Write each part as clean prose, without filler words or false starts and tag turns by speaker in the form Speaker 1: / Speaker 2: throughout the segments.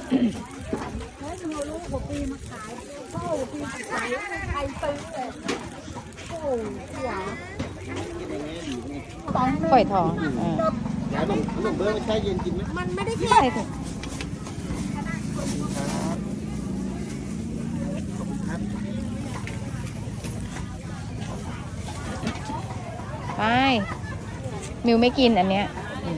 Speaker 1: ฮ้ยเราลูกหัวปีมาขายพ่อหัวปีมาขายใครซื้อเลยโอ้หวาน
Speaker 2: ฝอยทอง
Speaker 3: ยายขนมเบอร์ไม่ใช่เย็นกินไหม
Speaker 1: มันไม่ได้แค่
Speaker 2: ใช่ถูกไปมิวไม่กินอันเนี้ย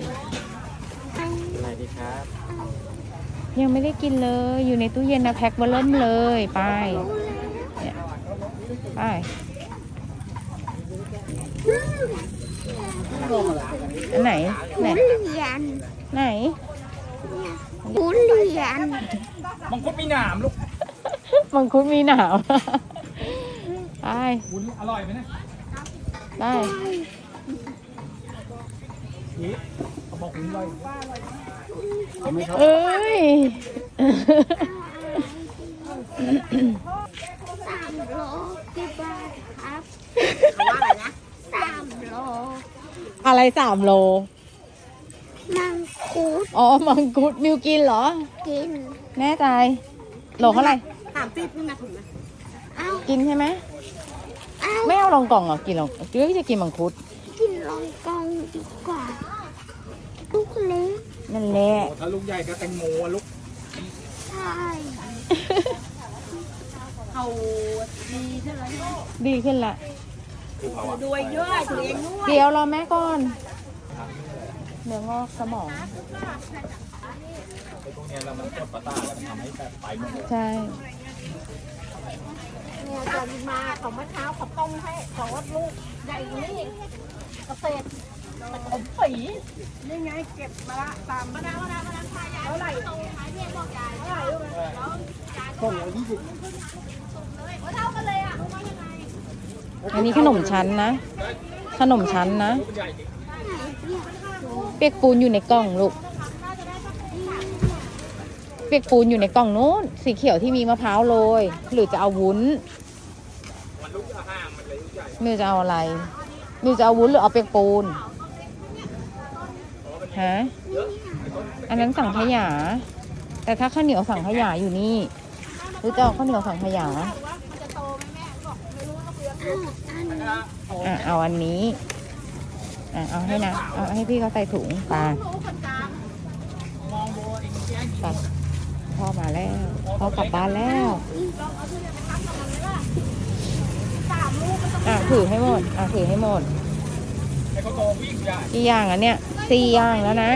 Speaker 3: อะไรดีครับ
Speaker 2: ยังไม่ได้กินเลย อยู่ในตู้เย็นนะแพ็คเบอร์เริ่มเลยไปเนี่ยไป อันไหนไหน
Speaker 1: ทุเรียน
Speaker 2: ไหน
Speaker 1: ทุเรียน
Speaker 3: มังคุดมีหนามลูก
Speaker 2: มังคุดมีหนาว ไป
Speaker 3: วุ้นอร่อยไหมเนี่ย
Speaker 2: ได้
Speaker 3: นี่เขาบอกวุ้นอร่อย
Speaker 2: เอ้ย
Speaker 1: 3 โลกี่บาทครับเขาว่าอะไรนะ3 โล
Speaker 2: อะไร3 โล
Speaker 1: มังคุด
Speaker 2: อ๋อ มังคุดมิวกินเหรอ
Speaker 1: กิน
Speaker 2: แน่ใจ โลเท่าไหร่
Speaker 1: 30นี่มาถึงนะเอ้า
Speaker 2: กินใช่ไหม
Speaker 1: เอ้า
Speaker 2: ไม่เอาลองกล่องเหรอ กินลองหรือจะกินมังคุด
Speaker 1: กินลองกองดีกว่าลูกเล็ก
Speaker 2: นั่นแหละ
Speaker 3: ถ้าลูกใหญ่ก็แตงโมอะลูก
Speaker 1: ใช่เขาดีใช่ไหม
Speaker 2: ดีขึ้นละ
Speaker 1: ด้วยเยอะตัวเองด้วย
Speaker 2: เดี๋ยวรอแม่ก่อนเนื้องอกสมอง
Speaker 3: ไอ้พวกเนี้ยเรามันกดประสาทแล้วมันทำให้แบบไปหมดเลย
Speaker 2: ใช่
Speaker 1: เนี่ยจะมาของเมื่อเช้าเขาต้มให้เขาว่าลูกใหญ่กว่านี่เกษตรแต่ผมปีนี่ไงเก็บมาละตามมาแล้วเท่าไหร่ตรงท้ายเรียกบอกยายเท่าไหร่ลูกแล้ว
Speaker 3: ต้นละ20
Speaker 1: เท่ากันเลยอ่ะรู้ว่ายังไง
Speaker 2: อันนี้ขนมชั้นนะ ขนมชั้นนะ
Speaker 3: ใหญ่จริง
Speaker 2: เปียกปูนอยู่ในกล่องลูก เปียกปูนอยู่ในกล่องนู้น สีเขียวที่มีมะพร้าวโรย หรือจะเอาวุ้น
Speaker 3: มันลูกละ5มันเลยลูกใหญ่
Speaker 2: มิวจะเอาอะไรมิวจะเอาวุ้นหรือเอาเปียกปูน ฮะ อันนั้นสังขยา แต่ถ้าข้าวเหนียวสังขยาอยู่นี่ หรือจะเอาข้าวเหนียวสังขยา เอาอันนี้เอาให้นะเอาให้พี่เขาใส่ถุงไปไปพ่อมาแล้วพ่อกลับบ้านแล้วถือให้หมดถือให้หมด
Speaker 3: ไอ้เขาโตวิ่งใหญ่
Speaker 2: กี่อย่างอันเนี้ย4 อย่างแล้วนะ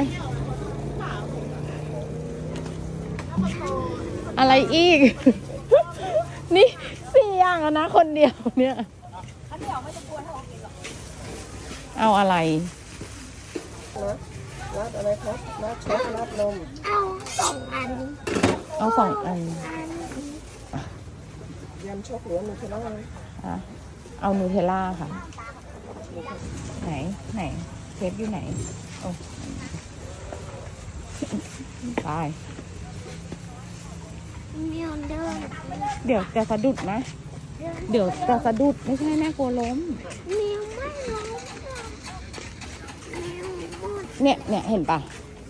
Speaker 2: อะไรอีก นี่4 อย่างแล้วนะคนเดียวเนี่ยเอาอะไร
Speaker 4: นัดอะไรครับนัดช็อกนัดนม
Speaker 1: เอา2 อัน
Speaker 2: เอา2 อัน
Speaker 4: ยำช็อกหรือนูเทลล่า
Speaker 2: เอานูเทลล่าค่ะ ไหนเทปอยู่ไหนโอ้ไป
Speaker 1: มีออเดอร์
Speaker 2: เดี๋ยวจะสะดุดนะ เดี๋ยวจะสะดุดไม่ใช่แม่กลัวล้ม
Speaker 1: แมวไม่ร้องแมวหมด
Speaker 2: เนี่ยเห็นปะ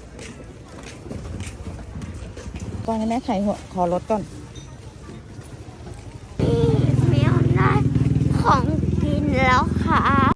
Speaker 2: ก่อนให้แม่ไขหัวคอรถก่อน
Speaker 1: แมวได้ของกินแล้วค่ะ